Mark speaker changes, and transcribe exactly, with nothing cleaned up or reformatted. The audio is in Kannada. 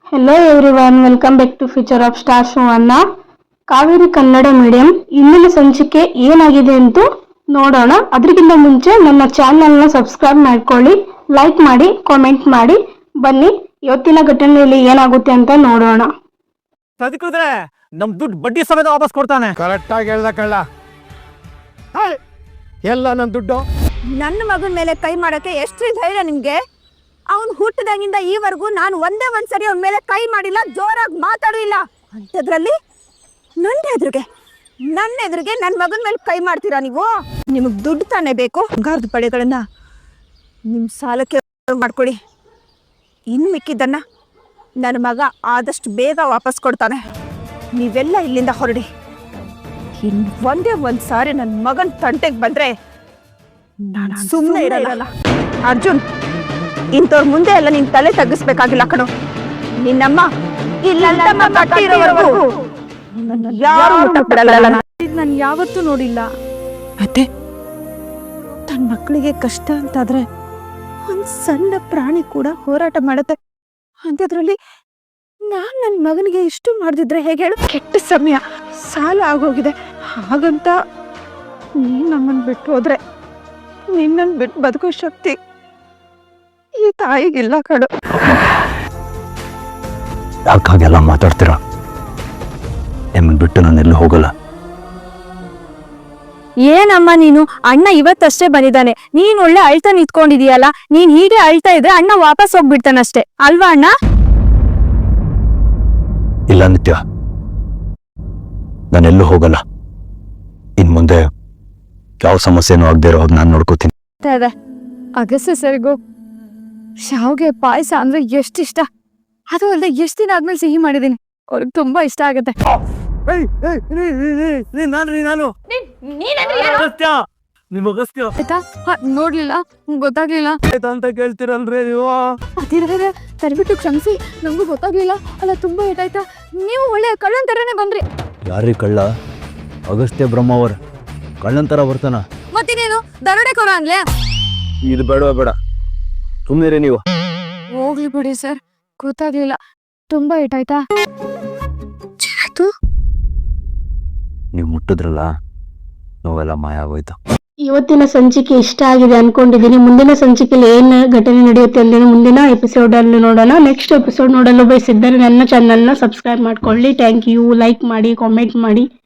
Speaker 1: Hello everyone, welcome back to future of star show ಅನ್ನ. ಕಾವೇರಿ ಕನ್ನಡ ಮೀಡಿಯಂ ಇಂದಿನ ಸಂಚಿಕೆ ಏನಾಗಿದೆ ಅಂತ ನೋಡೋಣ. ಅದಕ್ಕಿಂತ ಮುಂಚೆ ನನ್ನ ಚಾನೆಲ್ನ ಸಬ್ಸ್ಕ್ರೈಬ್ ಮಾಡ್ಕೊಳ್ಳಿ, ಲೈಕ್ ಮಾಡಿ, ಕಾಮೆಂಟ್ ಮಾಡಿ. ಬನ್ನಿ ಇವತ್ತಿನ ಘಟನೆಯಲ್ಲಿ ಏನಾಗುತ್ತೆ ಅಂತ ನೋಡೋಣ.
Speaker 2: ಸದಿಕಿದ್ರೆ ನಮ್ ದುಡ್ಡು ಬಡ್ಡಿ ಸಮೇತ ವಾಪಸ್ ಕೊಡ್ತಾನೆ.
Speaker 3: ಕರೆಕ್ಟ್ ಆಗಿ ಹೇಳ್ದ ಕಳ್ಳ. ಎಲ್ಲ ನನ್ನ ದುಡ್ಡು.
Speaker 4: ನನ್ನ ಮಗನ ಮೇಲೆ ಕೈ ಮಾಡಕ್ಕೆ ಎಷ್ಟು ಧೈರ್ಯ ನಿಮ್ಗೆ? ಅವನು ಹುಟ್ಟಿದಾಗಿಂದ ಈವರೆಗೂ ನಾನು ಒಂದೇ ಒಂದ್ಸರಿ ಅವನ ಮೇಲೆ ಕೈ ಮಾಡಿಲ್ಲ, ಜೋರಾಗಿ ಮಾತಾಡಿಲ್ಲ. ಅಂಥದ್ರಲ್ಲಿ ನನ್ನ ಎದುರಿಗೆ ನನ್ನ ಎದುರಿಗೆ ನನ್ನ ಮಗನ ಮೇಲೆ ಕೈ ಮಾಡ್ತೀರಾ ನೀವು? ನಿಮಗೆ ದುಡ್ಡು ತಾನೇ ಬೇಕು? ಬಂಗಾರದ ಪಡೆಗಳನ್ನ ನಿಮ್ಮ ಸಾಲಕ್ಕೆ ಮಾಡ್ಕೊಳ್ಳಿ. ಇನ್ನು ಮಿಕ್ಕಿದ್ದನ್ನ ನನ್ನ ಮಗ ಆದಷ್ಟು ಬೇಗ ವಾಪಸ್ ಕೊಡ್ತಾನೆ. ನೀವೆಲ್ಲ ಇಲ್ಲಿಂದ ಹೊರಡಿ. ಇನ್ನು ಒಂದೇ ಒಂದು ಸಾರಿ ನನ್ನ ಮಗನ ತಂಟೆಗೆ ಬಂದ್ರೆ ನಾನು ಸುಮ್ಮನೆ ಇರಲ್ಲ. ಅರ್ಜುನ್, ಇಂಥವ್ರ ಮುಂದೆ ಎಲ್ಲ ನಿನ್ ತಲೆ ತಗ್ಗಿಸ್ಬೇಕಾಗಿಲ್ಲ ಕಣೋ. ನಿನ್ನಮ್ಮ ಇಲ್ಲಂತಮ್ಮ ಕಟ್ಟಿರೋವರೆಗೂ ಯಾರು ಮುಟ್ಟಬಿಡಲ್ಲ. ನಾನು ಯಾವತ್ತೂ ನೋಡಿಲ್ಲ. ಮತ್ತೆ ತನ್ನ ಮಕ್ಕಳಿಗೆ ಕಷ್ಟ ಅಂತಾದ್ರೆ ಒಂದ್ ಸಣ್ಣ ಪ್ರಾಣಿ ಕೂಡ ಹೋರಾಟ ಮಾಡತ್ತೆ. ಅಂಥದ್ರಲ್ಲಿ ನಾನ್ ನನ್ನ ಮಗನಿಗೆ ಇಷ್ಟು ಮಾಡ್ದಿದ್ರೆ ಹೇಗೆ ಹೇಳು? ಕೆಟ್ಟ ಸಮಯ, ಸಾಲ ಆಗೋಗಿದೆ. ಹಾಗಂತ ನೀನ್ ನಮ್ಮನ್ ಬಿಟ್ಟು ಹೋದ್ರೆ ನಿನ್ನನ್ ಬಿಟ್ಟು ಬದುಕೋ ಶಕ್ತಿ ಈ ತಾಯಿಗಿಲ್ಲ ಕಡು.
Speaker 5: ಯಾಕಾಗೆಲ್ಲ ಮಾತಾಡ್ತೀರಾ? ನಿಮ್ಮನ್ ಬಿಟ್ಟು ನಾನು ಎಲ್ಲೂ ಹೋಗಲ್ಲ.
Speaker 4: ಏನಮ್ಮ ನೀನು? ಅಣ್ಣ ಇವತ್ತಷ್ಟೇ ಬಂದಿದ್ದಾನೆ, ನೀನ್ ಒಳ್ಳೆ ಅಳ್ತಾ ನಿಂತ್ಕೊಂಡಿದೀಯಲ್ಲ. ನೀನ್ ಹೀಗೆ ಅಳ್ತಾ ಇದ್ರೆ ಅಣ್ಣ ವಾಪಸ್ ಹೋಗ್ಬಿಡ್ತಾನಷ್ಟೇ ಅಲ್ವಾ ಅಣ್ಣ?
Speaker 5: ಇಲ್ಲ ನಿತ್ಯ, ನಾನೆಲ್ಲೂ ಹೋಗಲ್ಲ. ಇನ್ ಮುಂದೆ ಯಾವ ಸಮಸ್ಯೆನೂ ಆಗದೆ ಇರೋ ಹಾಗೆ ನಾನು ನೋಡ್ಕೋತೀನಿ.
Speaker 4: ಅಗಸ್ತ್ಯ ಸರಿಗೂ ಶಾವ್ಗೆ ಪಾಯಸ ಅಂದ್ರೆ ಎಷ್ಟು ಇಷ್ಟ. ಅದು ಅಲ್ಲದೆ ಎಷ್ಟು ದಿನ ಆದ್ಮೇಲೆ ಸಿಹಿ ಮಾಡಿದೀನಿ, ಅವ್ರಿಗೆ ತುಂಬಾ ಇಷ್ಟ ಆಗತ್ತೆ.
Speaker 2: ನಿಮ್ ಅಗಸ್ತ್ಯ
Speaker 4: ಆಯ್ತಾ? ನೋಡ್ಲಿಲ್ಲ, ಗೊತ್ತಾಗ್ಲಿಲ್ಲ
Speaker 2: ಅಂತ ಕೇಳ್ತಿರಲ್ರಿ ನೀವು.
Speaker 4: ಅದಿರ ತರ್ಬಿಟ್ಟು ಕ್ಷಮಿಸಿ, ನಂಗೂ ಗೊತ್ತಾಗ್ಲಿಲ್ಲ. ಅಲ್ಲ, ತುಂಬಾ ಏಟಾಯ್ತಾ? ನೀವು ಒಳ್ಳೆ ಕಳ್ಳನ್ ತರನೇ ಬಂದ್ರಿ.
Speaker 5: ಯಾರೀ ಕಳ್ಳ? ಅಗಸ್ತ್ಯ ಬ್ರಹ್ಮಾವರ್ ಕಳ್ಳನ್ ತರ ಬರ್ತಾನ?
Speaker 4: ಮತ್ತಿನೇನು ದರೋಡೆ ಕೊರ ಅನ್ಲೇ?
Speaker 5: ಇದು ಬೇಡ ಬೇಡ, ಸುಮ್ಮನೆ ನೀವು.
Speaker 4: ಹೋಗ್ಲಿ ಬಿಡಿ ಸರ್, ಗೊತ್ತಾಗ್ಲಿಲ್ಲ. ತುಂಬಾ ಏಟಾಯ್ತಾ?
Speaker 5: ನೀವು ಮುಟ್ಟಿದ್ರಲ್ಲ, ನೋವೆಲ್ಲ ಮಾಯ ಆಗೋಯ್ತು.
Speaker 1: ಇವತ್ತಿನ ಸಂಚಿಕೆ ಇಷ್ಟ ಆಗಿದೆ ಅನ್ಕೊಂಡಿದ್ದೀನಿ. ಮುಂದಿನ ಸಂಚಿಕೆಯಲ್ಲಿ ಏನ್ ಘಟನೆ ನಡೆಯುತ್ತೆ ಅಂತ ಮುಂದಿನ ಎಪಿಸೋಡ್ ಅಲ್ಲಿ ನೋಡೋಣ. ನೆಕ್ಸ್ಟ್ ಎಪಿಸೋಡ್ ನೋಡಲು ಬಯಸಿದ್ದರೆ ನನ್ನ ಚಾನೆಲ್ನ ಸಬ್ಸ್ಕ್ರೈಬ್ ಮಾಡ್ಕೊಳ್ಳಿ. Thank you. ಲೈಕ್ ಮಾಡಿ, ಕಾಮೆಂಟ್ ಮಾಡಿ.